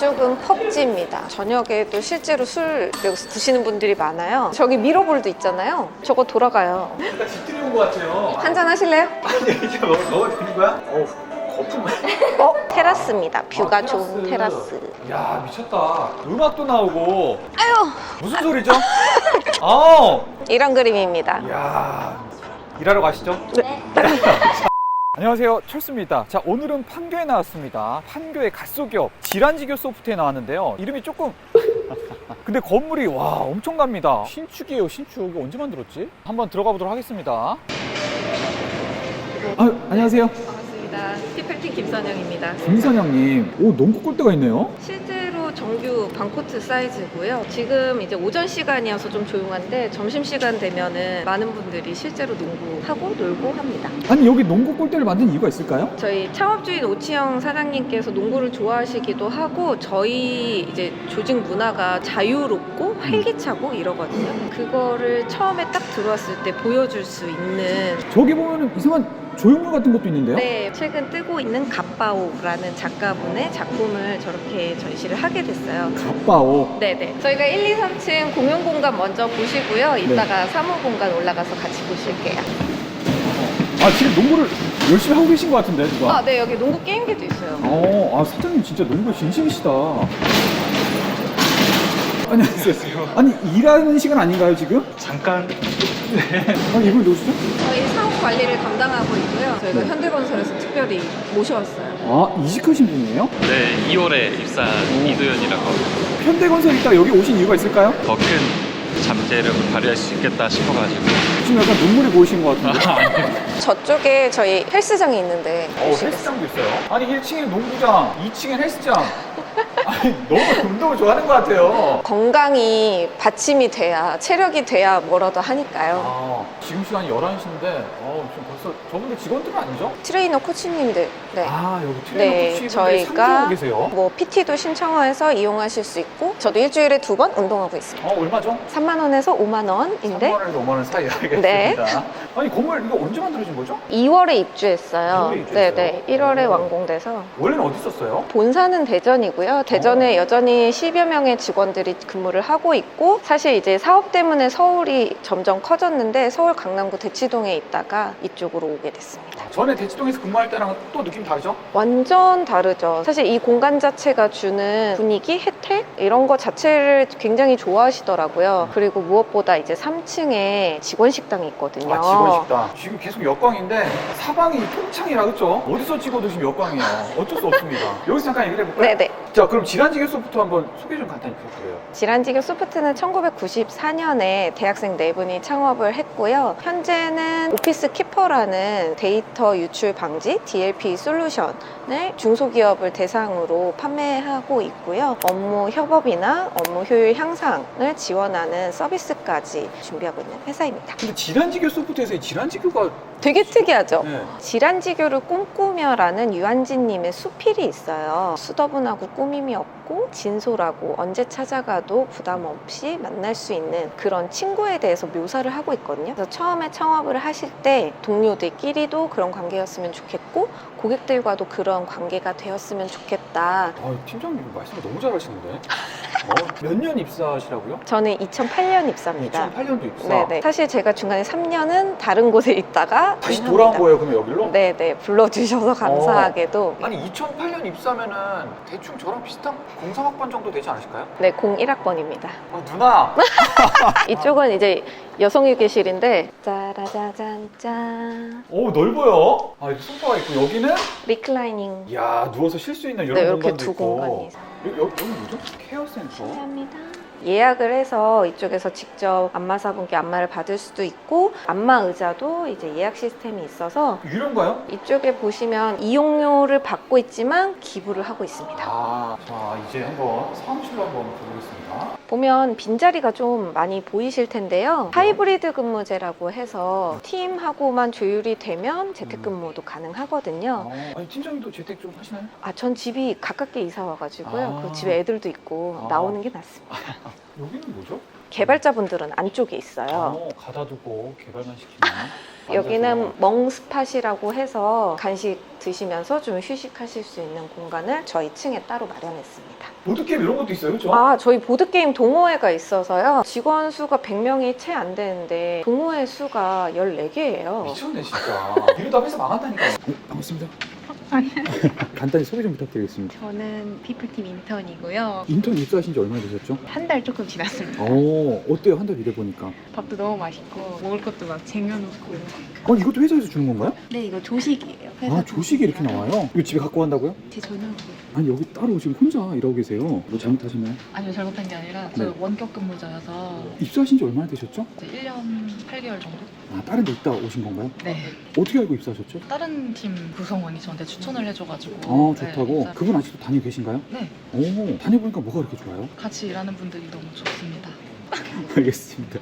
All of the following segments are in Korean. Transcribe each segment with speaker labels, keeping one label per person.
Speaker 1: 이쪽은 펍지입니다. 저녁에도 실제로 술 여기서 드시는 분들이 많아요. 저기 미러볼도 있잖아요. 저거 돌아가요.
Speaker 2: 약간 집들이 온 것 같아요.
Speaker 1: 한잔 하실래요?
Speaker 2: 아니 이제 먹어도 되는 거야? 어우 거품.
Speaker 1: 테라스입니다. 뷰가
Speaker 2: 아,
Speaker 1: 좋은 테라스.
Speaker 2: 야 미쳤다. 음악도 나오고.
Speaker 1: 아유!
Speaker 2: 무슨 소리죠? 아.
Speaker 1: 이런 그림입니다.
Speaker 2: 야 일하러 가시죠.
Speaker 1: 네.
Speaker 2: 안녕하세요, 철수입니다. 자, 오늘은 판교에 나왔습니다. 판교의 갓소기업 지란지교 소프트에 나왔는데요. 이름이 조금 근데 건물이 와 엄청납니다. 신축이에요, 신축. 이거 언제 만들었지? 한번 들어가 보도록 하겠습니다. 안녕하세요.
Speaker 1: 반갑습니다. 티펠팅 김선영입니다.
Speaker 2: 김선영님, 오 농구 골대가 있네요.
Speaker 1: 실제로 정규 반코트 사이즈고요. 지금 이제 오전 시간이어서 좀 조용한데 점심시간 되면은 많은 분들이 실제로 농구하고 놀고 합니다.
Speaker 2: 아니 여기 농구 골대를 만든 이유가 있을까요?
Speaker 1: 저희 창업주인 오치영 사장님께서 농구를 좋아하시기도 하고 저희 이제 조직 문화가 자유롭고 활기차고 이러거든요. 그거를 처음에 딱 들어왔을 때 보여줄 수 있는
Speaker 2: 저기 보면은 이상한 조형물 같은 것도 있는데요?
Speaker 1: 네, 최근 뜨고 있는 갓바오라는 작가분의 작품을 저렇게 전시를 하게 됐어요.
Speaker 2: 갓바오.
Speaker 1: 네네. 저희가 1, 2, 3층 공용 공간 먼저 보시고요. 이따가 사무 공간 올라가서 같이 보실게요.
Speaker 2: 아 지금 농구를 열심히 하고 계신 것 같은데 누가?
Speaker 1: 아, 네, 여기 농구 게임기도 있어요.
Speaker 2: 아 사장님 진짜 농구에 진심이시다. 안녕하세요. 아니 일하는 시간 아닌가요 지금?
Speaker 3: 잠깐.
Speaker 2: 아니 이걸 누구시죠?
Speaker 1: 저희 사업 관리를 담당하고 있고요. 저희가
Speaker 2: 네.
Speaker 1: 현대건설에서 특별히 모셔왔어요.
Speaker 2: 아 이직하신 분이에요?
Speaker 3: 네, 2월에 입사한 이도현이라고 합니다.
Speaker 2: 현대건설 있다가 여기 오신 이유가 있을까요?
Speaker 3: 더 큰 잠재력을 발휘할 수 있겠다 싶어가지고.
Speaker 2: 지금 약간 눈물이 보이신 것 같은데.
Speaker 1: 저쪽에 저희 헬스장이 있는데 보시겠어요?
Speaker 2: 헬스장도 있어요. 아니 1층에 농구장, 2층에 헬스장. 아니 너무 운동을 좋아하는 것 같아요.
Speaker 1: 건강이 받침이 돼야 체력이 돼야 뭐라도 하니까요.
Speaker 2: 아 지금 시간이 11시인데 지금 벌써 저분들 직원들은 아니죠?
Speaker 1: 트레이너 코치님들 네.
Speaker 2: 아 여기 트레이너
Speaker 1: 네,
Speaker 2: 코치분들이
Speaker 1: 저희가
Speaker 2: 상주하고 계세요.
Speaker 1: 뭐 PT도 신청해서 이용하실 수 있고 저도 일주일에 2번 운동하고 있습니다.
Speaker 2: 얼마죠?
Speaker 1: 3만 원에서 5만 원인데
Speaker 2: 3만 원에서 5만 원 사이 알겠습니다.
Speaker 1: 네.
Speaker 2: 아니 건물 이거 언제 만들어진 거죠?
Speaker 1: 2월에 입주했어요.
Speaker 2: 2월에 입주했어요?
Speaker 1: 네네. 1월에
Speaker 2: 오.
Speaker 1: 완공돼서
Speaker 2: 원래는 어디 있었어요?
Speaker 1: 본사는 대전이고요. 대전에 여전히 10여 명의 직원들이 근무를 하고 있고 사실 이제 사업 때문에 서울이 점점 커졌는데 서울 강남구 대치동에 있다가 이쪽으로 오게 됐습니다.
Speaker 2: 전에 대치동에서 근무할 때랑 또 느낌 다르죠?
Speaker 1: 완전 다르죠. 사실 이 공간 자체가 주는 분위기, 혜택 이런 거 자체를 굉장히 좋아하시더라고요. 그리고 무엇보다 이제 3층에 직원 식당이 있거든요.
Speaker 2: 아 직원 식당 지금 계속 역광인데 사방이 통창이라 그쵸? 어디서 찍어도 지금 역광이에요. 어쩔 수 없습니다. 여기서 잠깐 얘기를 해볼까요?
Speaker 1: 네네.
Speaker 2: 자 그럼 지란지교 소프트 한번 소개 좀 간단히 부탁드려요.
Speaker 1: 지란지교 소프트는 1994년에 대학생 4분이 창업을 했고요. 현재는 오피스 키퍼라는 데이터 유출 방지 DLP 솔루션을 중소기업을 대상으로 판매하고 있고요. 업무 협업이나 업무 효율 향상을 지원하는 서비스까지 준비하고 있는 회사입니다.
Speaker 2: 근데 지란지교 소프트에서 이 지란지교가
Speaker 1: 되게 특이하죠?
Speaker 2: 네.
Speaker 1: 지란지교를 꿈꾸며라는 유한진님의 수필이 있어요. 수더분하고 꾸밈이 없고 진솔하고 언제 찾아가도 부담 없이 만날 수 있는 그런 친구에 대해서 묘사를 하고 있거든요. 그래서 처음에 창업을 하실 때 동료들끼리도 그런 관계였으면 좋겠고 고객들과도 그런 관계가 되었으면 좋겠다.
Speaker 2: 팀장님 말씀을 너무 잘하시는데 몇 년 입사하시라고요?
Speaker 1: 저는 2008년 입사입니다.
Speaker 2: 2008년도 입사?
Speaker 1: 네네. 사실 제가 중간에 3년은 다른 곳에 있다가
Speaker 2: 다시 돌아온 거예요 그럼 여기로?
Speaker 1: 네네. 불러주셔서 감사하게도
Speaker 2: 아니 2008년 입사면은 대충 저랑 비슷한 03학번 정도 되지 않으실까요?
Speaker 1: 네, 01학번입니다.
Speaker 2: 누나!
Speaker 1: 이쪽은 이제 여성휴게실인데 짜라자잔 짠
Speaker 2: 오 넓어요. 아 소파가 있고 여기는
Speaker 1: 리클라이닝.
Speaker 2: 이야 누워서 쉴 수 있는 이런
Speaker 1: 네, 이렇게
Speaker 2: 공간도
Speaker 1: 두
Speaker 2: 있고.
Speaker 1: 공간이 있어요.
Speaker 2: 여기 뭐죠? 케어센터.
Speaker 1: 감사합니다. 예약을 해서 이쪽에서 직접 안마사분께 안마를 받을 수도 있고 안마 의자도 이제 예약 시스템이 있어서
Speaker 2: 유료인가요?
Speaker 1: 이쪽에 보시면 이용료를 받고 있지만 기부를 하고 있습니다.
Speaker 2: 자 이제 한번 사무실로 한번 가보겠습니다.
Speaker 1: 보면 빈자리가 좀 많이 보이실 텐데요. 하이브리드 근무제라고 해서 팀하고만 조율이 되면 재택근무도 가능하거든요.
Speaker 2: 아니 팀장님도 재택 좀 하시나요?
Speaker 1: 전 집이 가깝게 이사 와가지고요.
Speaker 2: 아.
Speaker 1: 그 집에 애들도 있고
Speaker 2: 아.
Speaker 1: 나오는 게 낫습니다.
Speaker 2: 여기는 뭐죠?
Speaker 1: 개발자분들은 안쪽에 있어요.
Speaker 2: 가다 두고 개발만 시키면.
Speaker 1: 여기는 멍스팟이라고 해서 간식 드시면서 좀 휴식하실 수 있는 공간을 저희 층에 따로 마련했습니다.
Speaker 2: 보드게임 이런 것도 있어요, 그렇죠?
Speaker 1: 아, 저희 보드게임 동호회가 있어서요. 직원 수가 100명이 채 안 되는데 동호회 수가 14개예요.
Speaker 2: 미쳤네 진짜. 이러다 회사 망한다니까. 반갑습니다. 간단히 소개 좀 부탁드리겠습니다.
Speaker 4: 저는 피플팀 인턴이고요.
Speaker 2: 인턴 입사하신 지 얼마나 되셨죠?
Speaker 4: 한 달 조금 지났습니다.
Speaker 2: 어때요? 한 달 일해보니까.
Speaker 4: 밥도 너무 맛있고 먹을 것도 막 쟁여놓고.
Speaker 2: 이것도 회사에서 주는 건가요?
Speaker 4: 네, 이거 조식이에요. 회사
Speaker 2: 조식이 이렇게 나와요? 이거 집에 갖고 간다고요?
Speaker 4: 제 저녁이에요.
Speaker 2: 아니 여기 따로 지금 혼자 일하고 계세요. 뭐 잘못하셨나요?
Speaker 5: 아니요, 잘못한 게 아니라 저
Speaker 2: 네.
Speaker 5: 원격 근무자여서
Speaker 2: 입사하신 지 얼마나 되셨죠?
Speaker 5: 이제 1년 8개월 정도?
Speaker 2: 다른 데 있다 오신 건가요?
Speaker 5: 네.
Speaker 2: 어떻게 알고 입사하셨죠?
Speaker 5: 다른 팀 구성원이 저한테 추천을 해줘가지고
Speaker 2: 좋다고?
Speaker 5: 네, 입사-
Speaker 2: 그분 아직도 다니고 계신가요?
Speaker 5: 네,
Speaker 2: 다녀보니까 뭐가 그렇게 좋아요?
Speaker 5: 같이 일하는 분들이 너무 좋습니다.
Speaker 2: 알겠습니다.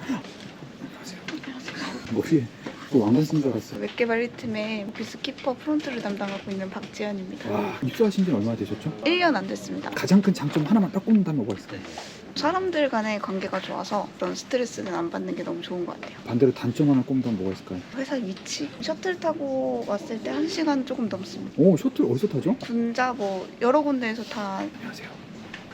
Speaker 2: 머리에 왕관 쓴 줄 알았어요.
Speaker 4: 웹개발 1팀의 오피스 키퍼 프론트를 담당하고 있는 박지현입니다.
Speaker 2: 입사하신 지는 얼마나 되셨죠?
Speaker 4: 1년 안 됐습니다.
Speaker 2: 가장 큰 장점 하나만 딱 꼽는다면 뭐가 있을까요?
Speaker 4: 사람들 간의 관계가 좋아서 그런 스트레스는 안 받는 게 너무 좋은 것 같아요.
Speaker 2: 반대로 단점 하나 꼽는다면 뭐가 있을까요?
Speaker 4: 회사 위치? 셔틀 타고 왔을 때 1시간 조금 넘습니다.
Speaker 2: 셔틀 어디서 타죠?
Speaker 4: 군자 여러 군데에서 다
Speaker 2: 안녕하세요.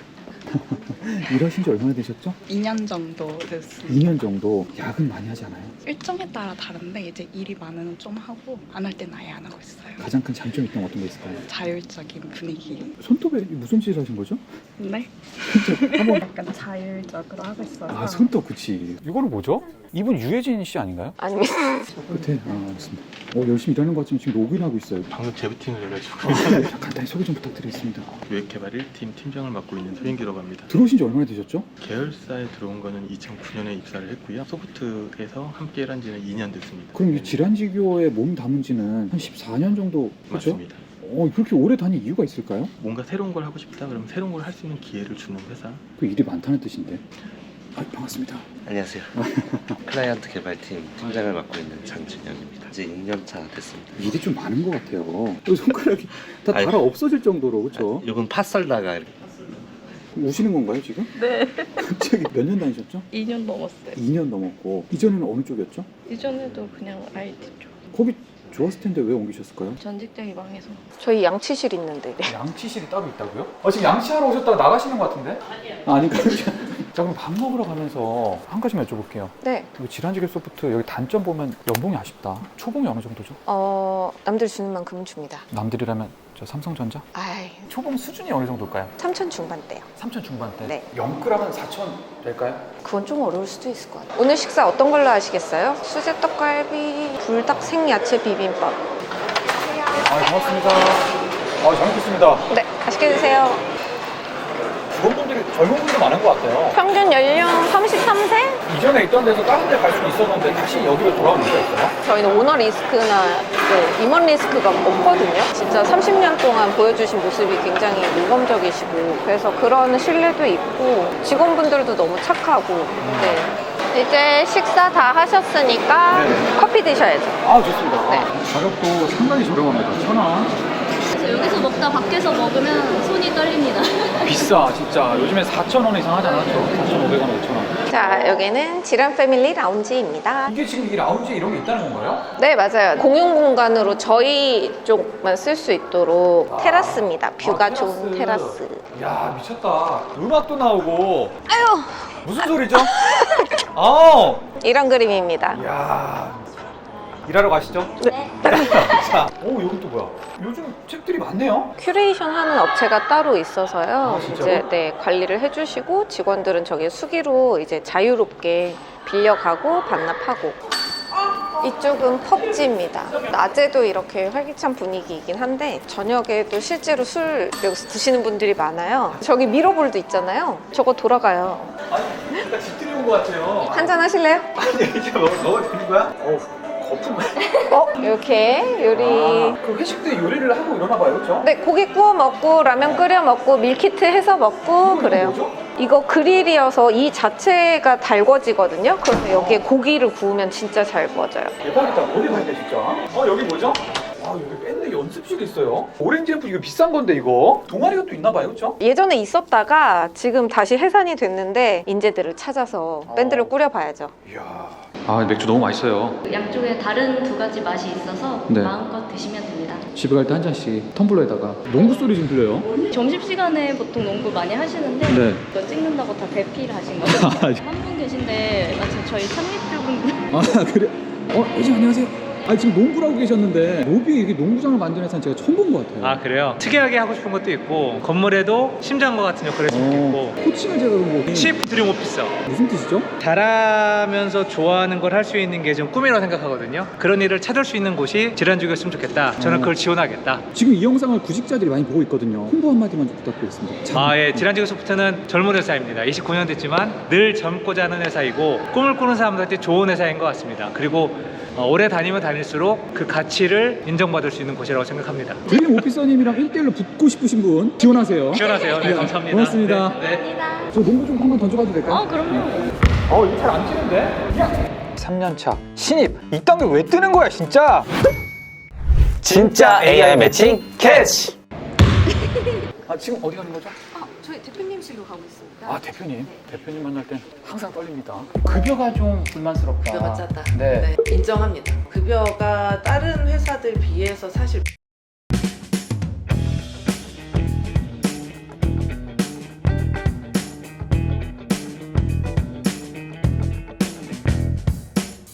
Speaker 2: 일하신 지 얼마나 되셨죠?
Speaker 4: 2년 정도 됐습니다.
Speaker 2: 2년 정도. 야근 많이 하지 않아요?
Speaker 4: 일정에 따라 다른데 이제 일이 많으면 좀 하고 안 할 때는 아예 안 하고 있어요.
Speaker 2: 가장 큰 장점이 있던 어떤 게 있을까요?
Speaker 4: 자율적인 분위기.
Speaker 2: 손톱에 무슨 짓을 하신 거죠?
Speaker 4: 네?
Speaker 2: 한번
Speaker 4: 약간 자율적으로 하고 있어서.
Speaker 2: 손톱 그치. 이거는 뭐죠? 이분 유해진 씨 아닌가요?
Speaker 1: 아닙니다.
Speaker 2: 끝에 알겠습니다. 열심히 일하는 것 같지만 지금 로그인하고 있어요.
Speaker 3: 방금 재부팅을 해가지고
Speaker 2: 간단히 소개 좀 부탁드리겠습니다.
Speaker 3: 웹개발 1팀 팀장을 맡고 있는 소인기라고 합니다.
Speaker 2: 들어오신 지 얼마나 되셨죠?
Speaker 3: 계열사에 들어온 거는 2009년에 입사를 했고요. 소프트에서 함께 일한 지는 2년 됐습니다.
Speaker 2: 그럼 이 질환지교에 몸 담은 지는 한 14년 정도 그렇죠?
Speaker 3: 맞습니다.
Speaker 2: 그렇게 오래 다닌 이유가 있을까요?
Speaker 3: 뭔가 새로운 걸 하고 싶다 그러면 새로운 걸 할 수 있는 기회를 주는 회사.
Speaker 2: 그 일이 많다는 뜻인데. 반갑습니다.
Speaker 6: 안녕하세요. 클라이언트 개발팀 팀장을 맡고 있는 장준영입니다. 이제 6년 차 됐습니다.
Speaker 2: 일이 좀 많은 것 같아요. 여기 손가락이 다
Speaker 6: 아니,
Speaker 2: 달아 없어질 정도로 그렇죠?
Speaker 6: 이건 팥 썰다가 이렇게
Speaker 2: 우시는 건가요 지금?
Speaker 7: 네,
Speaker 2: 갑자기 몇 년 다니셨죠?
Speaker 7: 2년 넘었어요.
Speaker 2: 2년 넘었고 이전에는 어느 쪽이었죠?
Speaker 7: 이전에도 그냥 IT 쪽.
Speaker 2: 거기 좋았을 텐데 왜 옮기셨을까요?
Speaker 7: 전 직장이 망해서.
Speaker 1: 저희 양치실 있는데.
Speaker 2: 양치실이 따로 있다고요? 지금 양치하러 오셨다가 나가시는 것 같은데? 아닌가요? 자 그럼 밥 먹으러 가면서 한 가지만 여쭤볼게요.
Speaker 1: 네.
Speaker 2: 질환지교 소프트 여기 단점 보면 연봉이 아쉽다. 초봉이 어느 정도죠?
Speaker 1: 남들 주는 만큼은 줍니다.
Speaker 2: 남들이라면 저 삼성전자?
Speaker 1: 아이,
Speaker 2: 초봉 수준이 어느 정도일까요?
Speaker 1: 3천 중반대요.
Speaker 2: 3천 중반대?
Speaker 1: 네.
Speaker 2: 0g은 4천 될까요?
Speaker 1: 그건 좀 어려울 수도 있을 것 같아요. 오늘 식사 어떤 걸로 하시겠어요? 수제 떡갈비, 불닭 생야채 비빔밥.
Speaker 2: 고맙습니다. 잘 먹겠습니다.
Speaker 1: 네, 맛있게 드세요.
Speaker 2: 직원분들이 젊은 분들 많은 것 같아요.
Speaker 1: 평균 연령 33세?
Speaker 2: 이전에 있던 데서 다른 데 갈 수는 있었는데 다시 여기로 돌아온 이유가 있어요?
Speaker 1: 저희는 오너 리스크나 임원 리스크가 없거든요. 진짜 30년 동안 보여주신 모습이 굉장히 모범적이시고 그래서 그런 신뢰도 있고 직원분들도 너무 착하고 네. 이제 식사 다 하셨으니까 커피 드셔야죠.
Speaker 2: 좋습니다.
Speaker 1: 네.
Speaker 2: 가격도 상당히 저렴합니다. 1,000원.
Speaker 8: 그래서 여기서 먹다 밖에서 먹으면 손이 떨립니다.
Speaker 2: 비싸 진짜. 요즘에 4,000원 이상 하지 않았죠? 4,500원, 5,000원.
Speaker 1: 자, 여기는 지란 패밀리 라운지입니다.
Speaker 2: 이게 지금 이 라운지에 이런 게 있다는 건가요?
Speaker 1: 네, 맞아요. 공용 공간으로 저희 쪽만 쓸 수 있도록 테라스입니다. 뷰가 좋은 테라스.
Speaker 2: 이야 미쳤다. 음악도 나오고. 아유. 무슨 소리죠? 아우.
Speaker 1: 이런 그림입니다.
Speaker 2: 이야. 일하러 가시죠.
Speaker 1: 네.
Speaker 2: 자, 여기 또 뭐야? 요즘 책들이 많네요.
Speaker 1: 큐레이션 하는 업체가 따로 있어서요.
Speaker 2: 진짜요?
Speaker 1: 이제 관리를 해주시고 직원들은 저기 수기로 이제 자유롭게 빌려가고 반납하고. 이쪽은 펍지입니다. 낮에도 이렇게 활기찬 분위기이긴 한데 저녁에도 실제로 술 여기서 드시는 분들이 많아요. 저기 미러볼도 있잖아요. 저거 돌아가요.
Speaker 2: 아니, 진짜 집들이 온 것 같아요.
Speaker 1: 한잔 하실래요?
Speaker 2: 아니, 이제 먹어도 되는 거야? 거품.
Speaker 1: 이렇게 요리.
Speaker 2: 그 회식 때 요리를 하고 이러나 봐요, 그렇죠?
Speaker 1: 네, 고기 구워 먹고 라면 끓여 먹고 밀키트 해서 먹고 그래요.
Speaker 2: 뭐죠?
Speaker 1: 이거 그릴이어서 이 자체가 달궈지거든요. 그래서 여기에 고기를 구우면 진짜 잘 구워져요.
Speaker 2: 대박이다. 어디 가야 돼, 진짜? 여기 뭐죠? 여기 밴드 연습실이 있어요. 오렌지 앰플 이거 비싼 건데 이거. 동아리가 또 있나 봐요, 그렇죠?
Speaker 1: 예전에 있었다가 지금 다시 해산이 됐는데 인재들을 찾아서 밴드를 꾸려봐야죠.
Speaker 2: 이야. 아, 맥주 너무 맛있어요.
Speaker 8: 양쪽에 다른 두 가지 맛이 있어서
Speaker 2: 네.
Speaker 8: 마음껏 드시면 됩니다.
Speaker 2: 집에 갈 때 한 잔씩 텀블러에다가 농구 소리 좀 들려요.
Speaker 8: 점심시간에 보통 농구 많이 하시는데
Speaker 2: 네.
Speaker 8: 이거 찍는다고 다 대피하신 거죠? 한 분 계신데 마침 저희 창립주분들
Speaker 2: 아, 그래? 회장 안녕하세요. 아, 지금 농구를 하고 계셨는데 로비에 이렇게 농구장을 만드는 회사는 제가 처음 본 것 같아요.
Speaker 9: 아 그래요? 특이하게 하고 싶은 것도 있고 건물에도 심장과 같은 역할을 해주고 있고
Speaker 2: 코칭을 제가 그런 거
Speaker 9: 치프 드림 오피서
Speaker 2: 무슨 뜻이죠?
Speaker 9: 잘하면서 좋아하는 걸 할 수 있는 게 좀 꿈이라고 생각하거든요. 그런 일을 찾을 수 있는 곳이 질환주기였으면 좋겠다. 저는 그걸 지원하겠다.
Speaker 2: 지금 이 영상을 구직자들이 많이 보고 있거든요. 홍보 한마디만 좀 부탁드리겠습니다.
Speaker 9: 예, 질환주기 소프트는 젊은 회사입니다. 29년 됐지만 늘 젊고자 하는 회사이고 꿈을 꾸는 사람들한테 좋은 회사인 것 같습니다. 그리고 오래 다니면 다닐수록 그 가치를 인정받을 수 있는 곳이라고 생각합니다.
Speaker 2: 드림 오피서님이랑 1대1로 붙고 싶으신 분 지원하세요.
Speaker 9: 지원하세요. 네, 감사합니다.
Speaker 2: 고맙습니다.
Speaker 9: 네.
Speaker 2: 저 농구 좀 한번 던져봐도 될까요?
Speaker 8: 그럼요.
Speaker 2: 이거 잘 안 치는데? 3년차 신입 이딴 게 왜 뜨는 거야 진짜?
Speaker 10: 진짜 AI 매칭 캐치!
Speaker 2: 아, 지금 어디 가는 거죠?
Speaker 1: 저희 대표님실로 가고 있습니다.
Speaker 2: 아, 대표님. 대표님 만날 땐 항상 떨립니다. 급여가 좀 불만스럽다.
Speaker 11: 급여가 짜다.
Speaker 2: 네.
Speaker 11: 인정합니다. 급여가 다른 회사들 비해서 사실